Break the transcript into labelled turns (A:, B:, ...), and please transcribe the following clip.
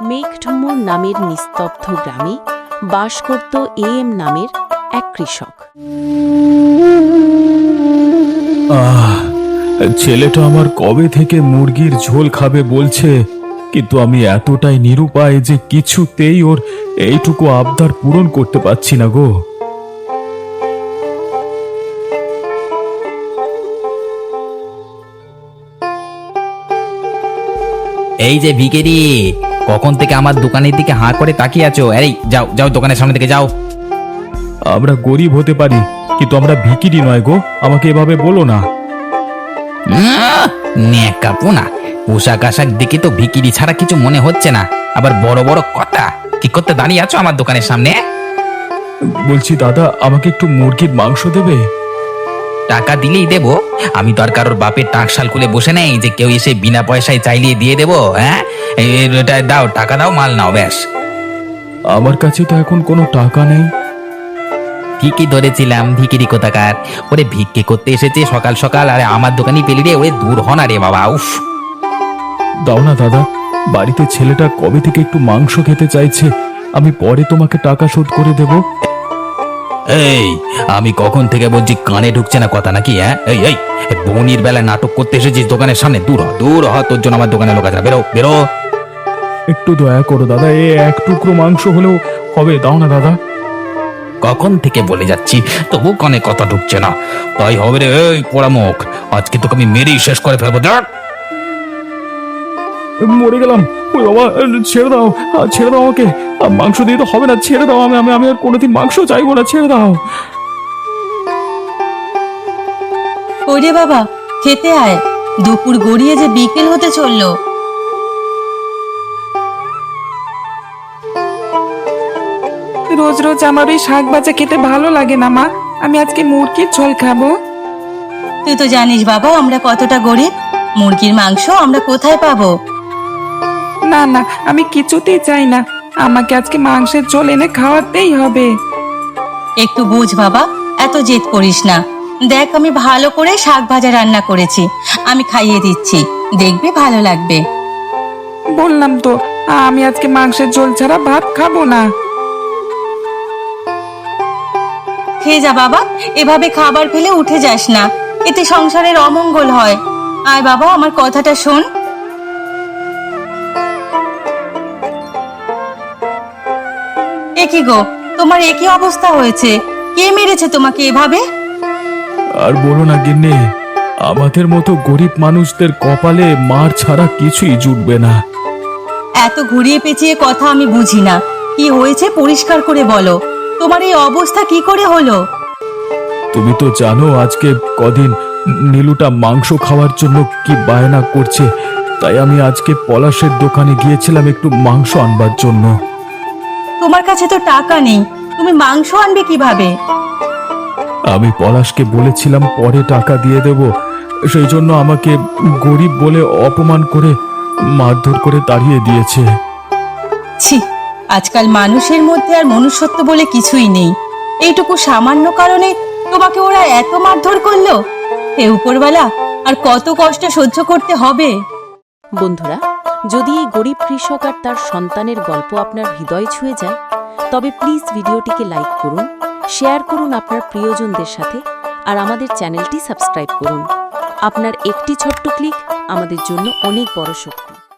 A: মেঘঢুমুর নামের নিস্তব্ধ গ্রামে বাস করত এম নামের এক কৃষক।
B: ছেলেটা আমার কবে থেকে মুরগির ঝোল খাবে বলছে, কিন্তু আমি এতটাই নিরুপায় যে কিছুতেই ওর এইটুকু আবদার পূরণ করতে পারছি না গো।
C: এই যে ভিখারি, কখন থেকে আমার দোকানের দিকে হাঁ করে তাকিয়ে আছো? আরে যাও যাও, দোকানের সামনে থেকে যাও।
B: আমরা গরিব হতে পারি, কিন্তু আমরা ভিখিরি নয় গো, আমাকে এভাবে বলো না।
C: নেকাপোনা, পোশাক আশাক দেখে তো ভিখিরি ছাড়া কিছু মনে হচ্ছে না, আবার বড় বড় কথা। কি করতে দাঁড়িয়ে আছো আমার দোকানের সামনে?
B: বলছি দাদা, আমাকে একটু মুরগির মাংস দেবে?
C: টাকা দিলেই দেবো। আমি তো আর কারোর বাপের টাকশাল খুলে বসে নেই যে কেউ এসে বিনা পয়সায় চাইলিয়ে দিয়ে দেবো। হ্যাঁ, এটা দাও, টাকা দাও, মাল নাও ব্যাস।
B: আমার কাছে তো এখন কোনো টাকা নেই।
C: ঠিকই ধরেছিলাম, ভিখিরি কোথাকার। ওরে ভিক্ষে করতে এসেছে সকাল সকাল, আরে আমার দোকানই পেলি রে। ওরে দূর হ না রে বাবা, উফ।
B: দাও না দাদা, বাড়িতে ছেলেটা কবে থেকে একটু মাংস খেতে চাইছে, আমি পরে তোমাকে টাকা শোধ করে দেব।
C: এই, আমি কখন থেকে বলছি, কানে ঢুকছে না কথা নাকি? হ্যাঁ, এই এই বনির বেলায় নাটক করতে এসেছিস দোকানের সামনে? দূর হ, দূর হ, তোর জন্য আমার দোকানে লোক আছে না। বেরো বেরো।
B: একটু দয়া করো দাদা, এক টুকরো মাংস হলেও হবে, দাও না দাদা।
C: কখন থেকে বলে যাচ্ছি, তবু কানে কথা ঢুকছে না। তাই হবে রে, এই পোড়ামুখ, আজকে তোকে আমি মেরেই শেষ করে ফেলবো। দেখ,
B: মরে গেলাম। ওই বাবা, ছেড়ে দাও, ছেড়ে দাও আমাকে। মাংস দিয়ে তো হবে না, ছেড়ে দাও। আমি আমি আমি আর কোনোদিন মাংস চাইবো না, ছেড়ে দাও।
D: ওরে বাবা, খেতে আয়, দুপুর গড়িয়ে যে বিকেল হতে চললো।
E: রোজ রোজ আমার ওই শাক ভাজা খেতে ভালো লাগে না মা, আমি আজকে মুরগির ঝোল খাবো।
D: তুই তো জানিস বাবা, আমরা কতটা গরিব, মুরগির মাংস আমরা কোথায় পাবো?
E: না না, আমি কিছুতেই চাই না, আমাকে আজকে মাংসের ঝোল এনে খাওয়াতেই হবে।
D: একটু বুঝ বাবা, এত জেদ করিস না। দেখ, আমি ভালো করে শাক ভাজা রান্না করেছি, আমি খাইয়ে দিচ্ছি, দেখবি ভালো লাগবে।
E: বললাম তো, আমি আজকে মাংসের ঝোল ছাড়া ভাত খাবো না।
D: খেয়ে যা বাবা, এভাবে খাবার ফেলে উঠে যাস না, এতে সংসারের অমঙ্গল হয়। আয় বাবা, আমার কথাটা শোন। কি গো, তোমার একই অবস্থা হয়েছে? কে মেরেছে তোমাকে এভাবে?
B: আর বলো না গিন্নি, আমাদের মতো গরিব মানুষদের কপালে মার ছাড়া কিছুই জুটবে না।
D: এত ঘুরিয়ে পেঁচিয়ে কথা আমি বুঝি না, কি হয়েছে পরিষ্কার করে বলো। তোমার এই অবস্থা কি করে হলো?
B: তুমি তো জানো আজকে কদিন নীলুটা মাংস খাওয়ার জন্য কি বায়না করছে, তাই আমি আজকে পলাশের দোকানে গিয়েছিলাম একটু মাংস আনবার জন্য।
D: তোমার কাছে তো টাকা নেই, তুমি মাংস আনবে কিভাবে?
B: আমি পলাশকে বলেছিলাম পরে টাকা দিয়ে দেব, সেই জন্য আমাকে গরিব বলে অপমান করে মারধর করে তাড়িয়ে দিয়েছে।
D: ছি, আজকাল মানুষের মধ্যে আর মনুষ্যত্ব বলে কিছুই নেই। এইটুকু সামান্য কারণে তোমাকে ওরা এত মারধর করলো? হে উপরওয়ালা, আর কত কষ্ট সহ্য করতে হবে?
A: বন্ধুরা, যদি এই গরিব কৃষক আর তার সন্তানের গল্প আপনার হৃদয় ছুঁয়ে যায়, তবে প্লিজ ভিডিওটিকে লাইক করুন, শেয়ার করুন আপনার প্রিয়জনদের সাথে, আর আমাদের চ্যানেলটি সাবস্ক্রাইব করুন। আপনার একটি ছোট্ট ক্লিক আমাদের জন্য অনেক বড় শক্তি।